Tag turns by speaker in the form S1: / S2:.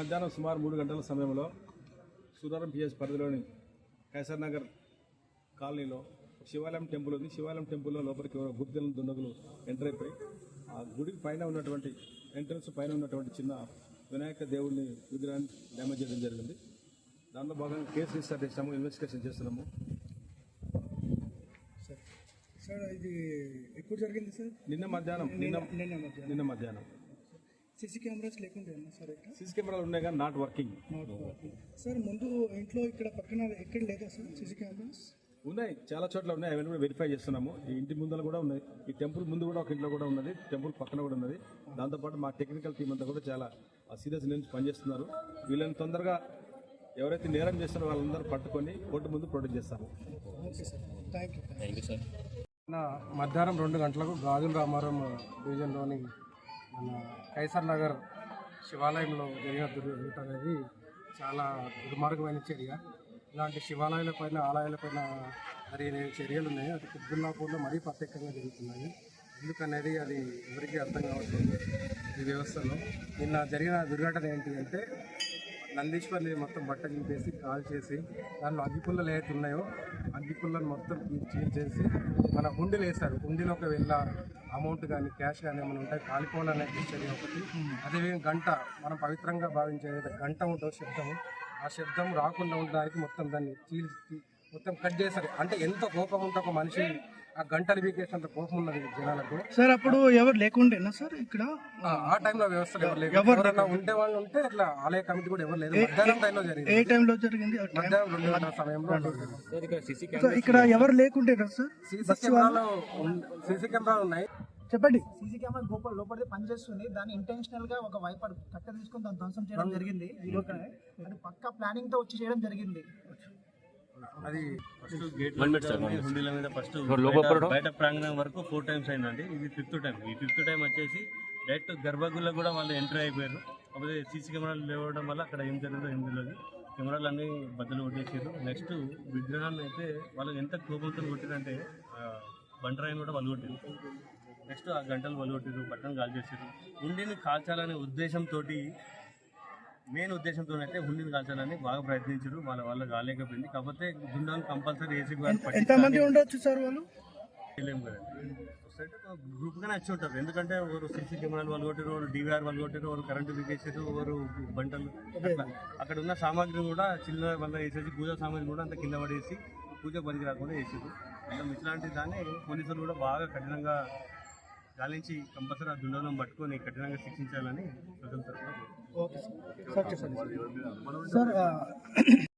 S1: మధ్యాహ్నం సుమారు 3 గంటల సమయంలో సూరారం పిఎస్ పరిధిలోని కైసర్ నగర్ కాలనీలో శివాలయం టెంపుల్ ఉంది. శివాలయం టెంపుల్లో లోపలికి గుర్తెలను దుండగులు ఎంటర్ అయిపోయి ఆ గుడికి పైన ఉన్నటువంటి ఎంట్రన్స్ పైన ఉన్నటువంటి చిన్న వినాయక దేవుడిని విగ్రహాన్ని డ్యామేజ్ చేయడం జరిగింది. దానిలో భాగంగా కేసు రిజిస్టర్ చేస్తాము, ఇన్వెస్టిగేషన్ చేస్తున్నాము.
S2: సార్ ఇది ఎప్పుడు జరిగింది సార్?
S1: నిన్న మధ్యాహ్నం
S2: సీసీ కెమెరాస్ లేకుండా సార్? ఇక్కడ
S1: సీసీ కెమెరాలు ఉన్నాయి కానీ నాట్ వర్కింగ్.
S2: సార్ ముందు ఇంట్లో ఇక్కడ పక్కన ఎక్కడ లేదా సార్ సీసీ కెమెరాస్?
S1: ఉన్నాయి, చాలా చోట్ల ఉన్నాయి. అవన్నీ కూడా వెరిఫై చేస్తున్నాము. ఈ ఇంటి ముందర కూడా ఉన్నాయి, ఈ టెంపుల్ ముందు కూడా ఒక ఇంట్లో కూడా ఉన్నది, టెంపుల్ పక్కన కూడా ఉన్నది. దాంతోపాటు మా టెక్నికల్ టీం అంతా కూడా చాలా సీరియస్ నుంచి పనిచేస్తున్నారు. వీళ్ళని తొందరగా ఎవరైతే నేరం చేస్తారో వాళ్ళందరూ పట్టుకొని కోర్టు ముందు ప్రొడ్యూస్ చేస్తారు.
S2: Okay sir, thank you sir.
S3: మధ్యాహ్నం 2 గంటలకు గాజుల రామారం డివిజన్లోని మన కైసర్ నగర్ శివాలయంలో జరిగిన దుర్ఘటన అనేది చాలా దుర్మార్గమైన చర్య. ఇలాంటి శివాలయాలపైన ఆలయాలపైన జరిగిన చర్యలు ఉన్నాయి. అది కుద్బుల్లాపూర్లో మరీ ప్రత్యేకంగా జరుగుతున్నాయి. ఎందుకనేది అది ఎవరికీ అర్థం కావట్లేదు ఈ వ్యవస్థలో. నిన్న జరిగిన దుర్ఘటన ఏంటి అంటే నందీశ్వర్ని మొత్తం బట్ట చింపేసి కాల్ చేసి దానిలో అగ్గిపుల్లలు ఏవైతే ఉన్నాయో అగ్గిపుల్లను మొత్తం చీల్ చేసి మన హుండీలు వేస్తారు. హుండీలోకి వెళ్ళ అమౌంట్ కానీ క్యాష్ కానీ ఏమైనా ఉంటాయి కాలిపోవాలనే చర్య ఒకటి. అదేవిధంగా గంట, మనం పవిత్రంగా భావించే గంట ఉంటుందో శబ్దము, ఆ శబ్దం రాకుండా ఉండడానికి మొత్తం దాన్ని చీల్చి మొత్తం కట్ చేస్తారు. అంటే ఎంత కోపం ఉంటే ఒక మనిషి ఆ గంటలు వీకేసినంత కోపం ఉన్నది జనాలకు.
S2: సార్ అప్పుడు ఎవరు లేకుండేనా సార్ ఇక్కడ?
S3: ఆ టైంలో వ్యవస్థలు ఎవరైనా ఉండే వాళ్ళు ఉంటే ఇట్లా ఆలయ కమిటీ కూడా ఎవరు లేదు. మధ్యాహ్నం టైంలో జరిగింది.
S2: ఏ టైంలో జరిగింది?
S3: మధ్యాహ్నం 2 గంటల సమయంలో.
S2: ఇక్కడ ఎవరు లేకుండేనా సార్?
S3: సీసీ కెమెరాలు ఉన్నాయి.
S2: చెప్పండి.
S4: సీసీ కెమెరా లోపలిది పనిచేస్తుంది. దాన్ని ఇంటెన్షనల్ గా ఒక వైపర్ కట్ట తీసుకుని దాన్ని ధ్వంసం చేయడం జరిగింది. అది పక్కా ప్లానింగ్ తో వచ్చి చేయడం జరిగింది.
S3: అది
S5: హుండీల మీద ఫస్ట్ బయట ప్రాంగణం వరకు 4 times అయిందండి. ఇది 5th టైం. ఈ 5th టైం వచ్చేసి డైరెక్ట్ గర్భగుడిలో కూడా వాళ్ళు ఎంటర్ అయిపోయారు. కాకపోతే సీసీ కెమెరాలు లేవడం వల్ల అక్కడ ఏం జరిగిందో ఏం తెలియదు. కెమెరాలు అన్నీ బద్దలు కొట్టేసారు. నెక్స్ట్ విగ్రహాన్ని అయితే వాళ్ళు ఎంత కోపంతో కొట్టారంటే బండరాయిని కూడా వాళ్ళు కొట్టారు. నెక్స్ట్ ఆ గంటలు వాళ్ళు కొట్టారు, బట్టను కాల్ చేశారు. హుండీని కాల్చాలనే ఉద్దేశంతో, మెయిన్ ఉద్దేశంతో అయితే హుండీని కాల్చాలని బాగా ప్రయత్నించారు. వాళ్ళ కాలేకపోయింది. కాకపోతే దుండాన్ని కంపల్సరీ ఏసీ
S2: ఎంతమంది ఉండొచ్చు సార్? వాళ్ళు
S5: తెలియము కదండి. సొసైటీ గ్రూప్గానే వచ్చి ఉంటారు. ఎందుకంటే ఒకరు సీసీ కెమెరాలు వాళ్ళు కొట్టారు, ఒకరు DVR వాళ్ళు కొట్టారు, ఒకరు కరెంటు బిగేసారు, ఒకరు బంటలు. అక్కడ ఉన్న సామాగ్రిని కూడా చిన్న వల్ల వేసేసి, పూజా సామాగ్రిని కూడా అంత కింద పడేసి పూజ పనికి రాకుండా వేసారు. ఇట్లాంటి దాన్ని పోలీసులు కూడా బాగా కఠినంగా గాలించి కంపల్సరీ ఆ దుండలను పట్టుకొని కఠినంగా శిక్షించాలని ప్రజల తరఫున.
S2: Okay sir.